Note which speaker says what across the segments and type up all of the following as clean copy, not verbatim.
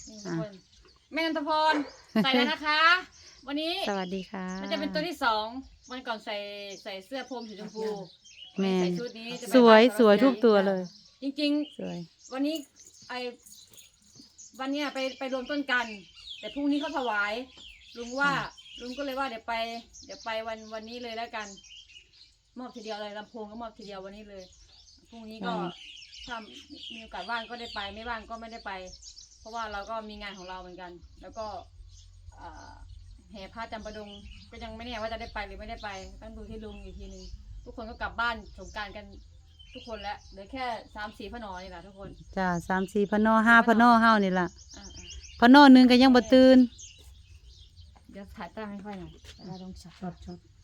Speaker 1: นี่ทุกคนแม่นันทพรใส่แล้วนะคะ วันนี้
Speaker 2: สวัสดีค่ะ
Speaker 1: มันจะเป็นตัวที่2วันก่อนใส่เสื้อพรมสีชมพู
Speaker 2: แม่
Speaker 1: ใส่ชุดนี้จะไป
Speaker 2: สวย
Speaker 1: บ้าน
Speaker 2: สวยทุกตัวเลย
Speaker 1: จริง
Speaker 2: สวย
Speaker 1: ๆ วันนี้วันเนี้ยไปรวมต้นกัน แต่พรุ่งนี้เขาถวายลุงว่าลุงก็เลยว่าเดี๋ยวไปวันนี้เลยแล้วกัน มอบทีเดียวเลยลำโพงก็มอบทีเดียววันนี้เลยพรุ่งนี้ก็ถ้ามีโอกาสว่างก็ได้ไปไม่ว่างก็ไม่ได้ไป เพราะว่าเราก็มีงานของเราเหมือนกัน แล้วก็แห่ผ้าจำปาดงก็ยังไม่แน่ว่าจะได้ไปหรือไม่ได้ไปต้องดูที่ลุงอีกทีนึงทุกคนก็กลับบ้านสงกรานต์กันทุกคนแล้วเหลือแค่3-4พนอนี่แหละทุกคน
Speaker 2: จ้า3-4พนอ5พนอเฮานี่ล่ะ
Speaker 1: อ่า
Speaker 2: พนอหนึงก็ยังบ่ตื่น
Speaker 1: เดี๋ยวถ่ายตั้งให้ค่อยหน่อยแล้วลงช็อต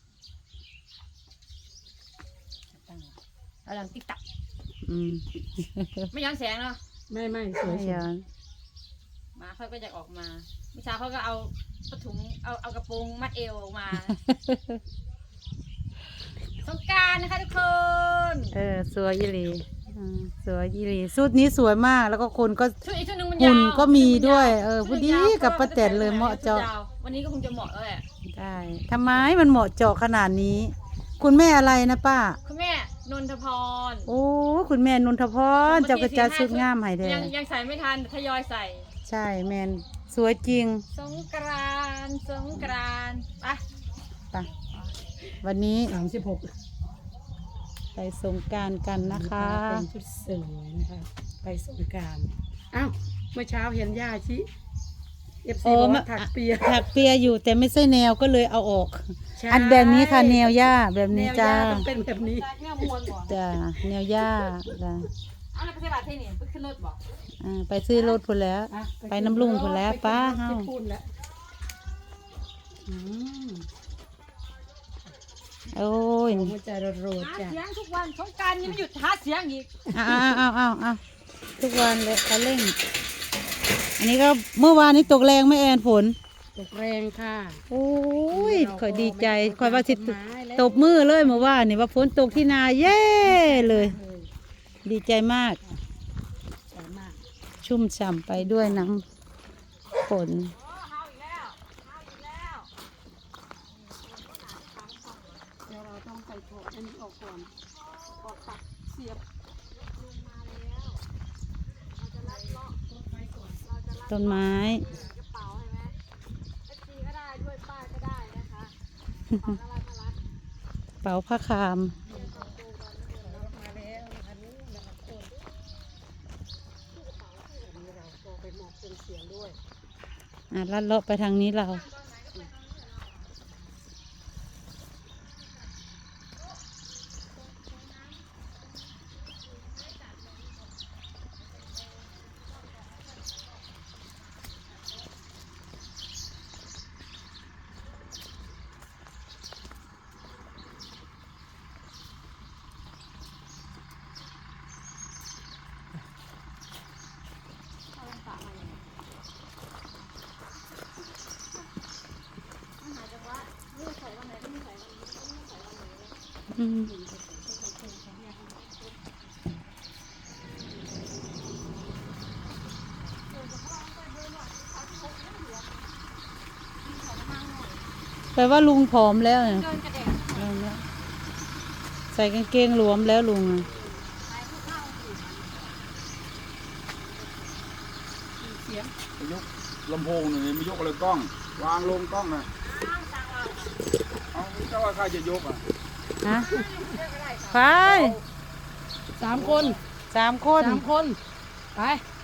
Speaker 1: ตั้งแล้วหลังติ๊กตัก
Speaker 2: อืม
Speaker 1: ไม่ย้อนแสงเนาะ
Speaker 3: ไม่สวย
Speaker 2: ไม่ย้อน
Speaker 1: มาเขาก็จะออกมาเมื่อเช้าเขาก็เอาผ้าถุงเอากระโปรงมัดเอวออกมา สงกรานต์นะคะทุกคน
Speaker 2: สวยอีหลีสวยอีหลีชุดนี้สวยมากแล้วก็คนก็
Speaker 1: ชุดอีกชุดหนึงมัน
Speaker 2: หุ่
Speaker 1: ยาน ว
Speaker 2: ก็มีด้วย
Speaker 1: ชุ
Speaker 2: พอ
Speaker 1: หนึ่
Speaker 2: ดี
Speaker 1: งยาว
Speaker 2: กับป้าแตนเลยเหมาะเจาะ
Speaker 1: วันนี้ก็คงจะเหมาะแล้วแหละ
Speaker 2: ได้ทำไมมันเหมาะเจาะขนาดนี้ คุณแม่อะไรนะป้า
Speaker 1: คุณแม่นนทพร
Speaker 2: โอ้คุณแม่นนทพรเจ้ากระจายชุดงามให้แท้
Speaker 1: ยังใส่ไม่ทันทยอยใส่
Speaker 2: ใช่แมนสวยจริง
Speaker 1: สงกรานต์ไป
Speaker 2: ไปวันนี้
Speaker 3: 36
Speaker 2: ไปสงกรานต์กันนะคะ
Speaker 3: เป็นชุดสวยนะคะไปสงกรานต์อ้าวเมื่อเช้าเห็นย่าชิFC บอกว่าถักเปีย
Speaker 2: ถักเปียอยู่แต่ไม่ใช่แนวก็เลยเอาออก
Speaker 3: ใช่
Speaker 2: อันแบบนี้ค่ะแนวหญ้าแบบ
Speaker 3: แน
Speaker 2: นี้
Speaker 3: ว
Speaker 2: จ้า
Speaker 3: ย่าต้องเป็นแบบนี้
Speaker 1: แม่มวนบ่
Speaker 2: จ้าแนวหญ้าจ้า
Speaker 1: เอาแล้วไปใส่บาตรที่นี่ไปขึ้นรถบ่
Speaker 2: ไปซื้อรถพุ่นแล้ว
Speaker 3: อ่ะ
Speaker 2: ไปน้ำลุงพุ่นแล้ว
Speaker 3: ไป
Speaker 2: ป้า
Speaker 3: ขึ้นรถ
Speaker 2: เฮา
Speaker 3: ที่พูดแล้วอืม
Speaker 2: โอ้ย
Speaker 3: หัวใจโรด
Speaker 1: หา
Speaker 3: ๆจ้ะ
Speaker 1: เสียงทุกวันสงกรานต์ยังไม่หยุดหาเสียงอีก
Speaker 2: เอาทุกวันเลยเขาเร่ง อันนี้ก็เมื่อวานนี้ตกแรงไหม่แอนฝน
Speaker 3: ตกแรงค่ะ
Speaker 2: โอ้ยคอยดีใจคอยว่าสิ
Speaker 3: ต้นไม้แล้ว
Speaker 2: ตบมือเลยเมื่อวานนี่ว่าฝนตกที่นาเย้เลย ดีใจมาก
Speaker 3: สวยมาก
Speaker 2: ชุ่มฉ่ำไปด้วยน้ำฝน
Speaker 3: เดี๋ยวเราต้องใส่ถั่วอันนี้ออกก่อนออกตักเสียบ
Speaker 2: ต้นไม้ เป๋าผ้าคาม ลัดเลาะไปทางนี้เรา อืมแปลว่าลุงผอมแล้วเนี่ย
Speaker 1: เดินกระเด็ก
Speaker 2: ผอมแล้วใส่กางเกงหลวมแล้วลุงอะ
Speaker 4: ยกลำโพงหน่อยไม่ยกอะไรกล้อง วางลงกล้องนะเอาเจ้าว่าใครจะยกอ่ะ
Speaker 2: ฮะไป
Speaker 3: 3 คน
Speaker 2: 3 คน
Speaker 3: 3 คนไป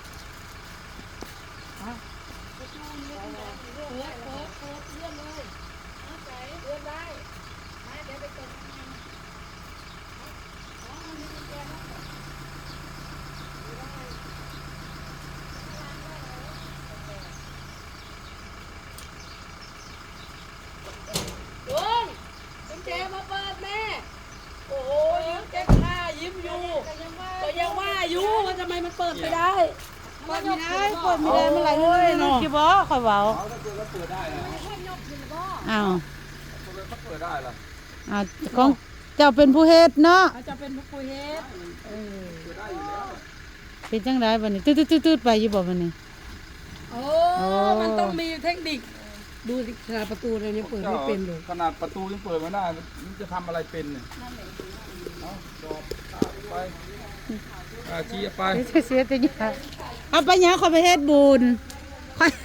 Speaker 3: เจมาเปิดแม่ โอ้โหยิ้มเจ๊ข้ายิ้มอยู่ก็ยังว่าอยู่ว่าทำไมมันเปิดไม่ได้
Speaker 2: เปิดไม่ได้เปิดไม่ได้เมื่อไหร่นี่คิดบ่คอยเบา
Speaker 4: เอาถ้าเกิดว่าเปิดได้นะ
Speaker 2: อ้าว
Speaker 4: ถ้าเปิดได้ล่ะ
Speaker 2: อ้าวของเจ้าเป็นผู้เฮ็ดเนาะ
Speaker 3: เขาจะเป็นผู้ปุยเฮ็ด
Speaker 4: เปิดได้อยู่แล้ว
Speaker 2: เป็นจังไดบัดนี้ตืดๆๆไปอยู่บ่บัดนี้
Speaker 3: เอาโอ้มันต้องมีเทคนิคดูสิขนาดประตูเรายังเปิดไม่เป็นเลย
Speaker 4: ขนาดประตูยังเปิดไม่ได้มันจะทำอะไรเป็นเนี่ยเอาจอบไปชี้ไป
Speaker 2: เสียแต่ยาเอาไปยาขอไปเฮ็ดบุญค่อย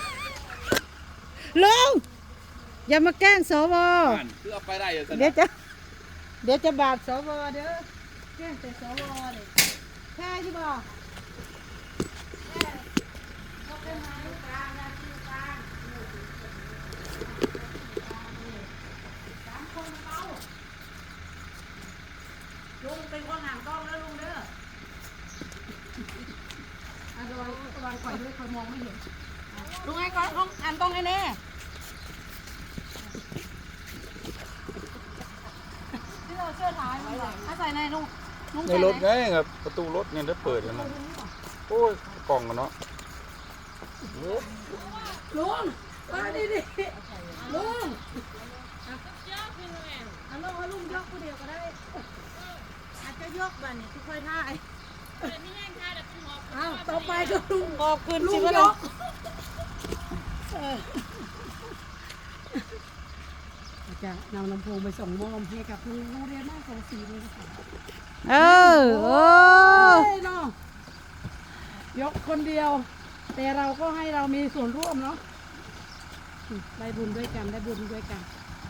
Speaker 2: ลุงอย่ามาแกล้งสว
Speaker 4: คือเอาไปได้เหรอ
Speaker 2: เดี๋ยวจะบาปสวเด้อแกล้งแต่สวเลยแค่ใช่ป่ะลุงเป็นคนห่างกล้องแล้วลุงเด้อระวังก่อยด้วยคอยมองไม่เห็นลุงไอ้ก้อนลุงอ่านกล้องให้แน่ที่เราเสื้อท้ายมันใส่ในลุง
Speaker 4: ในรถไงครับประตูรถเนี่ยได้เปิดกันนะโอ้ยกล่องกันเนาะ
Speaker 3: ลุงมาดิลุง
Speaker 2: เอาลุงยกผู้เดียวก็ได้อาจจะยกบ้านนี่ที่ค่อยท่าย
Speaker 3: อ้าวต่อไปก็ลุง
Speaker 2: ขอบคุณ
Speaker 3: ลุ
Speaker 2: สิ
Speaker 3: ง
Speaker 2: วะ
Speaker 3: ย
Speaker 2: ลุง
Speaker 3: กอาจจะนำลำโพงไปส่งมอบให้กับโรงเรียนบ้านของศรีเลยค่ะ
Speaker 2: โอ้
Speaker 3: เนาะยกคนเดียว แต่เราก็ให้เรามีส่วนร่วมเนาะได้บุญด้วยกันได้บุญด้วยกัน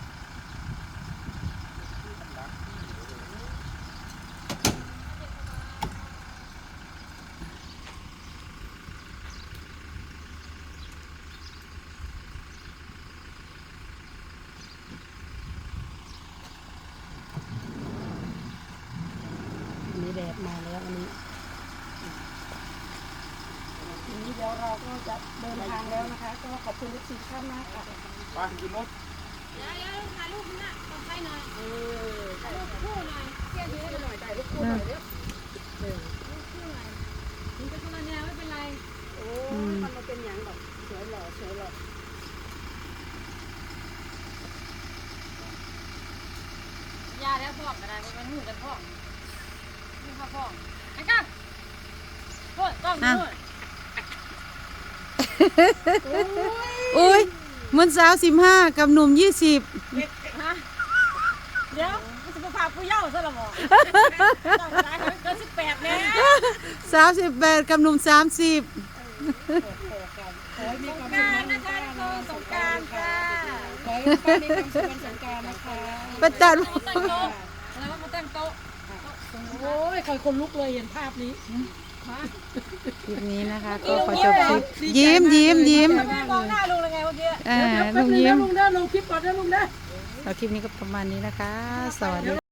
Speaker 3: อันนี้แดดมาแล้วอันนี้เดี๋ยวเราก็จะเดินทางแล้วนะคะก็ขอบคุณทุกสิ่งท่านมากค่ะ
Speaker 4: ไปขึ้นรถ
Speaker 1: ถ่ายรูปนะต้องใช้หน่อยถ่ายรูปคู่หน่อยเที่ยวเยอะหน่อยถ่ายรูปคู่หน่อยเร็วรูปคู่หน่อยถึงจะคนละแนวไม่เป็นไร
Speaker 3: โอ้ยมันมาเป็นอย่างแบบสวยหล่อสวยหล่อย
Speaker 1: าแล้วพ่อกระดาษมันหูกันพ่อนี่ค่ะพ่อไอ้กั๊กโอ้ยกล้องนู่น
Speaker 2: อุ้ยมันสาว15กับหนุ่ม20
Speaker 1: ฮะเดี๋ยวมันจะมาพาผู้เยาว์ซะละบ่ต้องกระดาษเกิน18แน่
Speaker 2: สาว18กับหนุ่ม30
Speaker 3: ขอให้มีความสุข
Speaker 1: การ
Speaker 3: นะ
Speaker 1: นะคะทุกคนสงกรานต์ค่ะ
Speaker 3: ขอให้ป้ามีความสุขวันสงกรานต์นะคะ
Speaker 2: ประจัน
Speaker 1: ตั้งโต๊ะแล้วก็มาตั้งโต๊ะ
Speaker 3: โอ้ยคอยคนลุกเลยเห็นภาพนี้
Speaker 2: คลิปนี้นะคะก็ขอจบคลิปยิ้ม
Speaker 1: แม่มองหน้าลุงเลยไงเมื่อกี้
Speaker 2: อ่า
Speaker 3: เดี๋ยวแป๊
Speaker 2: ลุ
Speaker 3: บ
Speaker 2: ง
Speaker 3: นึง
Speaker 2: ยิ้
Speaker 3: นะ
Speaker 2: ม
Speaker 3: ลุงเด้อลงคลิปก่อนนะลุงเด้อ
Speaker 2: เอาคลิปนี้ก็ประมาณนี้นะคะ สวัสดี